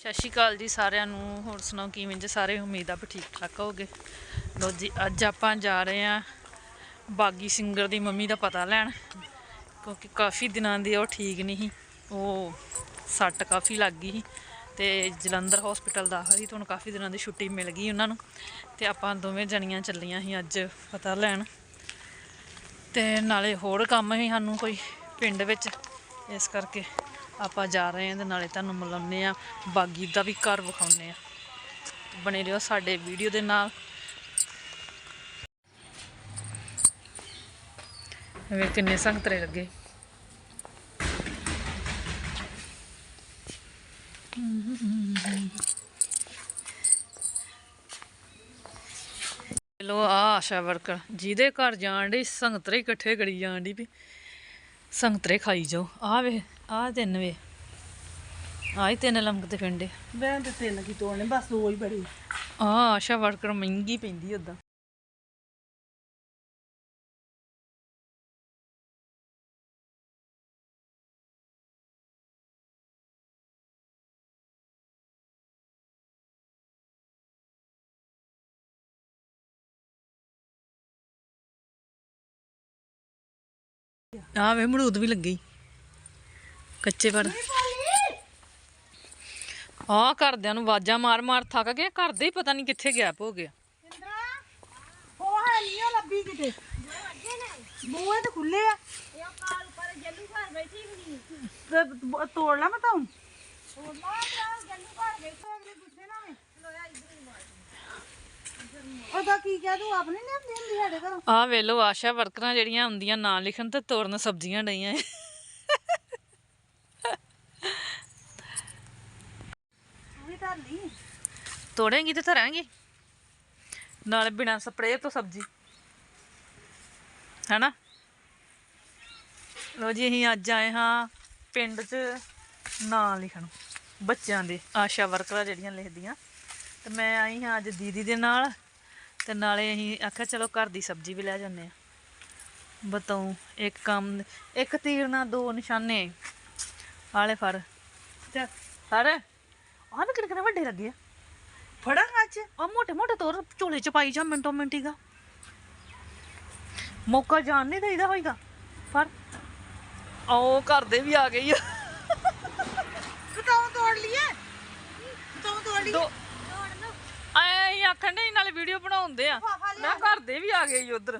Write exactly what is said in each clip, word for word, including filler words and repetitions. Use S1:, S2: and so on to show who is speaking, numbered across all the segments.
S1: ਸਤਿ ਸ਼੍ਰੀ ਅਕਾਲ ਜੀ ਸਾਰਿਆਂ ਨੂੰ। ਹੋਰ ਸੁਣਾਓ ਕਿਵੇਂ ਜੇ ਸਾਰੇ? ਉਮੀਦ ਆ ਵੀ ਠੀਕ ਠਾਕ ਹੋਗੇ। ਲੋ ਜੀ ਅੱਜ ਆਪਾਂ ਜਾ ਰਹੇ ਹਾਂ ਬਾਗੀ ਸਿੰਗਰ ਦੀ ਮੰਮੀ ਦਾ ਪਤਾ ਲੈਣ, ਕਿਉਂਕਿ ਕਾਫੀ ਦਿਨਾਂ ਦੀ ਉਹ ਠੀਕ ਨਹੀਂ ਸੀ, ਉਹ ਸੱਟ ਕਾਫੀ ਲੱਗ ਗਈ ਸੀ ਤੇ ਜਲੰਧਰ ਹਸਪੀਟਲ ਦਾਖਲ ਸੀ। ਤੁਹਾਨੂੰ ਕਾਫੀ ਦਿਨਾਂ ਦੀ ਛੁੱਟੀ ਮਿਲ ਗਈ ਉਹਨਾਂ ਨੂੰ, ਤੇ ਆਪਾਂ ਦੋਵੇਂ ਜਣੀਆਂ ਚੱਲੀਆਂ ਸੀ ਅੱਜ ਪਤਾ ਲੈਣ, ਤੇ ਨਾਲੇ ਹੋਰ ਕੰਮ ਸੀ ਸਾਨੂੰ ਕੋਈ ਪਿੰਡ ਵਿੱਚ, ਇਸ ਕਰਕੇ ਆਪਾਂ ਜਾ ਰਹੇ ਹਾਂ। ਤੇ ਨਾਲੇ ਤੁਹਾਨੂੰ ਮਿਲਾਉਂਦੇ ਹਾਂ, ਬਾਗੀ ਦਾ ਵੀ ਘਰ ਵਿਖਾਉਂਦੇ ਹਾਂ। ਬਣੇ ਰਹੋ ਸਾਡੇ ਵੀਡੀਓ ਦੇ ਨਾਲ। ਵੇ ਕਿੰਨੇ ਸੰਗਤਰੇ ਲੱਗੇ। ਲੋ ਆ ਆਸ਼ਾ ਵਰਕਰ ਜਿਹਦੇ ਘਰ ਜਾਣ ਡੀ ਸੰਗਤਰੇ ਇਕੱਠੇ ਕਰੀ ਜਾਣ ਡੀ ਵੀ ਸੰਗਤਰੇ ਖਾਈ ਜਾਓ। ਆ ਵੇ ਆ ਤਿੰਨ ਵੇ ਆਹ ਤਿੰਨ ਲਮਕਦੇ ਫਿਰਦੇ।
S2: ਮੈਂ ਤੇ ਤਿੰਨ ਕੀ ਤੋੜਨੇ, ਬਸ ਦੋ ਹੀ ਬੜੀ।
S1: ਆ ਆਸ਼ਾ ਵਰਕਰ ਮਹਿੰਗੀ ਪੈਂਦੀ ਉੱਦਾਂ। ਆ ਵੇ ਮਰੂਦ ਵੀ ਲੱਗੀ ਕੱਚੇ ਪਰ। ਆ ਘਰਦਿਆਂ ਨੂੰ ਆਵਾਜ਼ਾਂ ਮਾਰ ਮਾਰ ਥੱਕ ਗਏ, ਘਰ ਦੇ ਹੀ ਪਤਾ ਨਹੀਂ ਕਿੱਥੇ ਗੈਪ ਹੋ ਗਿਆ।
S2: ਉਹ ਹੈ ਨਹੀਂ ਉਹ ਲੱਭੀ ਕਿਤੇ, ਬੂਹੇ ਤੇ ਖੁੱਲੇ ਆ। ਤੇ ਤੋੜ ਲਾ ਮੈਂ ਤਾਂ ਉਹਦਾ ਕੀ ਕਹਿ ਤੂੰ ਆਪਣੀ ਨਹੀਂ ਆਉਂਦੀ ਹੁੰਦੀ ਸਾਡੇ ਘਰੋਂ।
S1: ਆ ਵੇਲੋ ਆਸ਼ਾ ਵਰਕਰਾਂ ਜਿਹੜੀਆਂ ਹੁੰਦੀਆਂ ਨਾਂ ਲਿਖਣ ਤੇ ਤੋੜਨ ਸਬਜ਼ੀਆਂ ਡਈਆਂ। ਤੋੜੇਂਗੀ ਤੇ ਧਰਾਂਗੀ ਨਾਲ ਬਿਨਾਂ ਸਪਰੇਅ ਤੋਂ ਸਬਜ਼ੀ, ਹੈਨਾ। ਲੋ ਜੀ ਅਸੀਂ ਅੱਜ ਆਏ ਹਾਂ ਪਿੰਡ 'ਚ ਨਾਂ ਲਿਖਣ ਬੱਚਿਆਂ ਦੇ, ਆਸ਼ਾ ਵਰਕਰਾਂ ਜਿਹੜੀਆਂ ਲਿਖਦੀਆਂ। ਤੇ ਮੈਂ ਆਈ ਹਾਂ ਅੱਜ ਦੀਦੀ ਦੇ ਨਾਲ, ਤੇ ਨਾਲੇ ਅਸੀਂ ਆਖਿਆ ਚਲੋ ਘਰ ਦੀ ਸਬਜ਼ੀ ਵੀ ਲੈ ਜਾਂਦੇ ਹਾਂ। ਬਤਾਉ ਇੱਕ ਕੰਮ, ਇੱਕ ਤੀਰ ਨਾਲ ਦੋ ਨਿਸ਼ਾਨੇ। ਆਲੇ ਫੜ ਫੜ। ਆਹ ਵੀ ਕਿਹੜੇ ਕਿਹੜੇ ਵੱਡੇ ਲੱਗੇ ਆ।
S2: ਫੜਾ ਅੱਜ
S1: ਆ ਮੋਟੇ ਮੋਟੇ ਤੋਰ ਝੋਲੇ ਚ ਪਾਈ ਜਾ ਮਿੰਟੋ ਮਿੰਟੀਗਾ, ਮੌਕਾ ਜਾਣ ਨਹੀਂ ਦੇਈਦਾ ਹੋਈਗਾ। ਪਰ ਆਓ ਘਰ ਦੇ ਵੀ ਆ ਗਈ ਆ।
S2: ਬਤਾਉ ਤੋੜ ਲਈਏ, ਬਤਾਉ ਤੋੜ ਲਈਏ।
S1: ਐ ਆਖਣ ਦੇ ਨਾਲੇ ਵੀਡੀਓ ਬਣਾਉਂਦੇ ਆ, ਮੈਂ ਘਰ ਦੇ ਵੀ ਆ ਗਏ ਉਧਰ।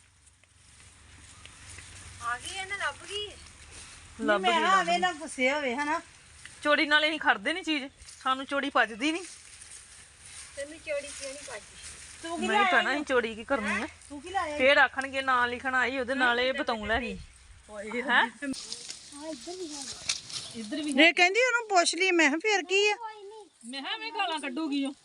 S2: ਆ ਗਈ ਇਹਨੇ, ਲੱਭ ਗਈ।
S1: ਲੱਭ
S2: ਮੈਂ
S1: ਗਈ
S2: ਆਵੇ ਨਾ ਗੁੱਸੇ ਹੋਵੇ ਹਨਾ।
S1: ਚੋਰੀ ਨਾਲੇ ਅਸੀਂ ਖੜਦੇ ਨਹੀਂ ਚੀਜ਼, ਸਾਨੂੰ ਚੋਰੀ ਪਚਦੀ ਨਹੀਂ।
S2: ਤੈਨੂੰ ਚੋਰੀ ਕਿਉਂ ਨਹੀਂ ਪਾਜੀ? ਤੂੰ ਕੀ
S1: ਨਹੀਂ ਭੈਣਾ ਅਸੀਂ ਚੋਰੀ ਕੀ ਕਰਨੀ ਆ।
S2: ਤੂੰ ਕੀ ਲਾਇਆ?
S1: ਫੇਰ ਆਖਣਗੇ ਨਾਂ ਲਿਖਣ ਆਈ ਉਹਦੇ ਨਾਲ ਇਹ ਬਤਾਉ ਲੈ ਗਈ ਹੈ। ਇੱਧਰ ਵੀ
S2: ਇਹ ਕਹਿੰਦੀ ਉਹਨੂੰ ਪੁੱਛ ਲਈ। ਮੈਂ ਕਿਹਾ ਫੇਰ ਕੀ ਆ?
S1: ਮੈਂ ਕਿਹਾ ਐਵੇਂ ਗਾਲਾਂ ਕੱਢੂਗੀ ਉਹ।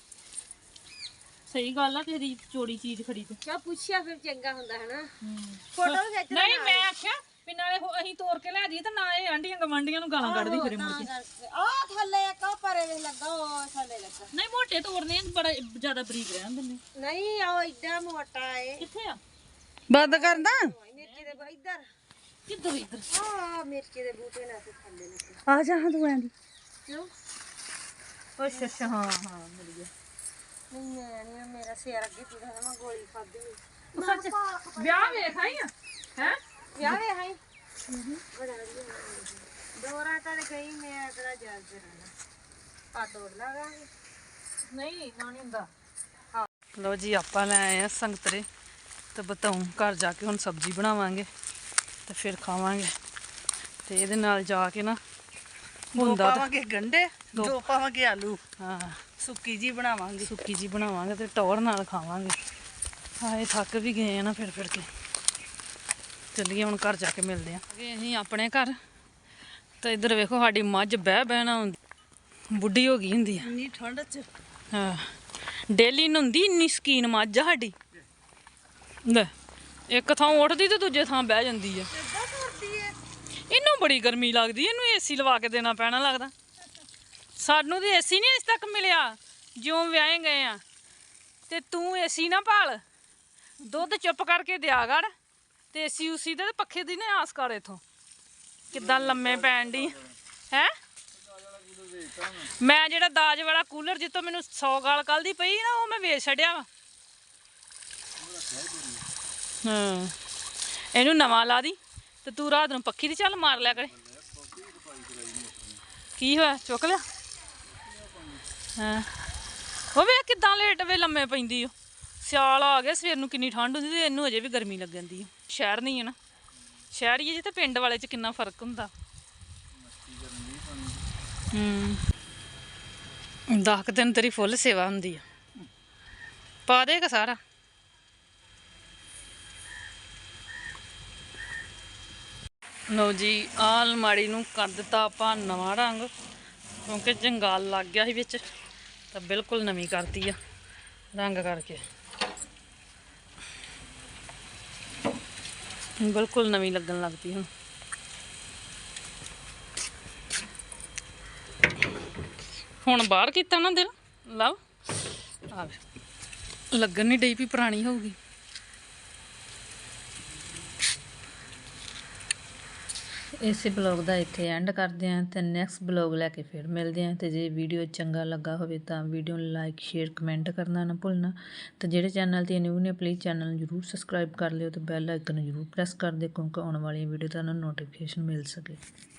S1: ਸਹੀ ਗੱਲ ਆ, ਤੇਰੀ ਚੋਰੀ ਚੀਜ਼ ਖਰੀਦ
S3: ਕਿਆ ਪੁੱਛਿਆ ਫਿਰ ਚੰਗਾ ਹੁੰਦਾ ਹੈ ਨਾ।
S1: ਫੋਟੋ ਖਿੱਚ। ਨਹੀਂ ਮੈਂ ਆਖਿਆ ਵੀ ਨਾਲੇ ਅਸੀਂ ਤੋੜ ਕੇ ਲੈ ਜਾਈਏ ਤੇ ਨਾ ਇਹ ਆਂਢੀਆਂ ਗਵਾਂਢੀਆਂ ਨੂੰ ਗਾਲਾਂ ਕੱਢਦੀ ਫਿਰੇ ਮੁੜ ਕੇ।
S3: ਆ ਥੱਲੇ ਇੱਕ ਉਹ ਪਰੇ ਵੇ ਲੱਗਾ, ਉਹ ਥੱਲੇ ਲੱਗਾ।
S1: ਨਹੀਂ ਮੋਟੇ ਤੋੜਨੇ ਆ, ਬੜਾ ਜ਼ਿਆਦਾ ਬਰੀਕ ਰਹਿਣ ਦਿੰਦੇ।
S3: ਨਹੀਂ ਉਹ ਏਡਾ ਮੋਟਾ ਏ।
S1: ਕਿੱਥੇ ਆ?
S2: ਬੰਦ ਕਰਦਾ।
S3: ਮਿਰਚੀ ਦੇ ਬ- ਇੱਧਰ
S1: ਕਿੱਧਰ ਇੱਧਰ?
S3: ਆ ਮਿਰਚੀ ਦੇ ਬੂਟੇ ਨਾਲ ਤੇ ਥੱਲੇ ਲੱਗੇ।
S2: ਆ ਜਾ ਹਾਂ ਤੂੰ ਆਂਦੀ।
S3: ਕਿਉਂ?
S1: ਅੱਛਾ ਅੱਛਾ ਹਾਂ ਹਾਂ ਮਿਲ ਗਿਆ।
S3: ਨਹੀਂ ਮੈਂ ਨਹੀਂ, ਮੇਰਾ ਸਿਰ ਅੱਗੇ ਪੀੜਾ ਹੈ, ਮੈਂ ਗੋਲੀ ਖਾਧੀ।
S1: ਸੱਚ ਵਿਆਹ ਵੇਖ ਆਈ ਆ ਹੈ?
S3: ਵਿਆਹ ਵੇ ਹਾਈ ਬੜਾ ਵਧੀਆ ਦੋਰਾ ਤਾਂ ਗਈ। ਮੈਂ ਤੇਰਾ ਯਾਦ ਕਰਾਂਗਾ। ਆ ਤੋੜ ਲਾਂਗੇ।
S1: ਨਹੀਂ ਨਾ ਨਹੀਂ ਹੁੰਦਾ। ਲੋ ਜੀ ਆਪਾਂ ਲੈ ਆਏ ਆ ਸੰਗਤਰੇ, ਤੇ ਬਤਾਉ ਘਰ ਜਾ ਕੇ ਹੁਣ ਸਬਜ਼ੀ ਬਣਾਵਾਂਗੇ ਤੇ ਫਿਰ ਖਾਵਾਂਗੇ। ਤੇ ਇਹਦੇ ਨਾਲ ਜਾ ਕੇ ਨਾ ਹੁੰਦਾ
S2: ਪਾਵਾਂਗੇ ਗੰਡੇ, ਦੋ ਪਾਵਾਂਗੇ ਆਲੂ,
S1: ਹਾਂ
S2: ਸੁੱਕੀ ਜੀ ਬਣਾਵਾਂਗੇ।
S1: ਸੁੱਕੀ ਜੀ ਬਣਾਵਾਂਗੇ ਤੇ ਟੌਰ ਨਾਲ ਖਾਵਾਂਗੇ। ਹਾਏ ਥੱਕ ਵੀ ਗਏ ਆ ਨਾ ਫਿਰ ਫਿਰ ਕੇ। ਚੱਲੀਏ ਹੁਣ ਘਰ ਜਾ ਕੇ ਮਿਲਦੇ ਆ। ਅਸੀਂ ਆਪਣੇ ਘਰ, ਤੇ ਇੱਧਰ ਵੇਖੋ ਸਾਡੀ ਮੱਝ ਬਹਿ ਬਹਿਣਾ ਹੁੰਦੀ, ਬੁੱਢੀ ਹੋ ਗਈ ਹੁੰਦੀ ਆ।
S2: ਇੰਨੀ ਠੰਡ ਚ
S1: ਹਾਂ ਡੇਲੀ ਨਹੁੰਦੀ, ਇੰਨੀ ਸਕੀਨ ਮੱਝ ਆ ਸਾਡੀ। ਲੈ ਇੱਕ ਥਾਂ ਉੱਠਦੀ ਤੇ ਦੂਜੇ ਥਾਂ ਬਹਿ ਜਾਂਦੀ ਆ।
S2: ਕਿੱਦਾਂ ਕਰਦੀ ਏ?
S1: ਇਹਨੂੰ ਬੜੀ ਗਰਮੀ ਲੱਗਦੀ, ਇਹਨੂੰ ਏਸੀ ਲਵਾ ਕੇ ਦੇਣਾ ਪੈਣਾ ਲੱਗਦਾ। ਸਾਨੂੰ ਤੇ ਏਸੀ ਨਹੀਂ ਅਜੇ ਤੱਕ ਮਿਲਿਆ ਜਿਉਂ ਵਿਆਹੇ ਗਏ ਆ, ਤੇ ਤੂੰ ਏਸੀ ਨਾ ਭਾਲ, ਦੁੱਧ ਚੁੱਪ ਕਰਕੇ ਦਿਆ ਕਰ, ਤੇ ਏਸੀ ਉਸੀ ਦੇ ਪੱਖੇ ਦੀ ਨਾ ਆਸ ਕਰ। ਇਥੋਂ ਕਿੱਦਾਂ ਲੰਮੇ ਪੈਣ ਦੀ ਹੈ। ਮੈਂ ਜਿਹੜਾ ਦਾਜ ਵਾਲਾ ਕੂਲਰ ਜਿੱਤੋਂ ਮੈਨੂੰ ਸੌ ਗਾਲ ਕੱਲ ਦੀ ਪਈ ਨਾ ਉਹ ਮੈਂ ਵੇਚ ਛੱਡਿਆ ਵਾ। ਹਾਂ ਇਹਨੂੰ ਨਵਾਂ ਲਾ ਦੀ ਤੇ ਤੂੰ ਰਾਤ ਨੂੰ ਪੱਖੀ ਦੀ ਚੱਲ ਮਾਰ ਲਿਆ ਕਰੇ। ਕੀ ਹੋਇਆ ਚੁੱਕ ਲਿਆ? ਹਾਂ ਉਹ ਵੇਖ ਕਿੱਦਾਂ ਲੇਟ ਵੇ ਲੰਮੇ ਪੈਂਦੀ ਉਹ। ਸਿਆਲ ਆ ਗਿਆ ਸਵੇਰ ਨੂੰ ਕਿੰਨੀ ਠੰਡ ਹੁੰਦੀ ਤੇ ਇਹਨੂੰ ਅਜੇ ਵੀ ਗਰਮੀ ਲੱਗਣ ਦੀ। ਸ਼ਹਿਰ ਨਹੀਂ ਹੈ ਨਾ, ਸ਼ਹਿਰੀ ਜੀ ਤੇ ਪਿੰਡ ਵਾਲੇ 'ਚ ਕਿੰਨਾ ਫਰਕ ਹੁੰਦਾ। ਹੂੰ ਦਸ ਕੁ ਦਿਨ ਤੇਰੀ ਫੁੱਲ ਸੇਵਾ ਹੁੰਦੀ ਆ। ਪਾ ਦੇਗਾ ਸਾਰਾ। ਲਓ ਜੀ ਆਹ ਅਲਮਾਰੀ ਨੂੰ ਕਰ ਦਿੱਤਾ ਆਪਾਂ ਨਵਾਂ ਰੰਗ ਕਿਉਂਕਿ ਜੰਗਾਲ ਲੱਗ ਗਿਆ ਸੀ ਵਿੱਚ ਤਾਂ ਬਿਲਕੁਲ ਨਵੀਂ ਕਰਤੀ ਆ ਰੰਗ ਕਰਕੇ। ਬਿਲਕੁਲ ਨਵੀਂ ਲੱਗਣ ਲੱਗ ਪਈ ਹੁਣ। ਹੁਣ ਬਾਹਰ ਕੀਤਾ ਨਾ ਦਿਲ ਲਵ ਆ ਲੱਗਣ ਨਹੀਂ ਡਈ ਵੀ ਪੁਰਾਣੀ ਹੋਊਗੀ। ਇਸੇ ਬਲੌਗ ਦਾ ਇੱਥੇ ਐਂਡ ਕਰਦੇ ਹਾਂ ਤੇ ਨੈਕਸਟ ਬਲੌਗ ਲੈ ਕੇ ਫਿਰ ਮਿਲਦੇ ਹਾਂ। ਤੇ ਜੇ ਵੀਡੀਓ ਚੰਗਾ ਲੱਗਾ ਹੋਵੇ ਤਾਂ ਵੀਡੀਓ ਨੂੰ ਲਾਈਕ ਸ਼ੇਅਰ ਕਮੈਂਟ ਕਰਨਾ ਨਾ ਭੁੱਲਣਾ। ਤੇ ਜਿਹੜੇ ਚੈਨਲ ਤੇ ਨਿਊ ਨੇ ਪਲੀਜ਼ ਚੈਨਲ ਨੂੰ ਜ਼ਰੂਰ ਸਬਸਕ੍ਰਾਈਬ ਕਰ ਲਿਓ ਤੇ ਬੈਲ ਆਈਕਨ ਨੂੰ ਜ਼ਰੂਰ ਪ੍ਰੈਸ ਕਰ ਦਿਓ ਕਿਉਂਕਿ ਆਉਣ ਵਾਲੀਆਂ ਵੀਡੀਓ ਤੁਹਾਨੂੰ ਨੋਟੀਫਿਕੇਸ਼ਨ ਮਿਲ ਸਕੇ।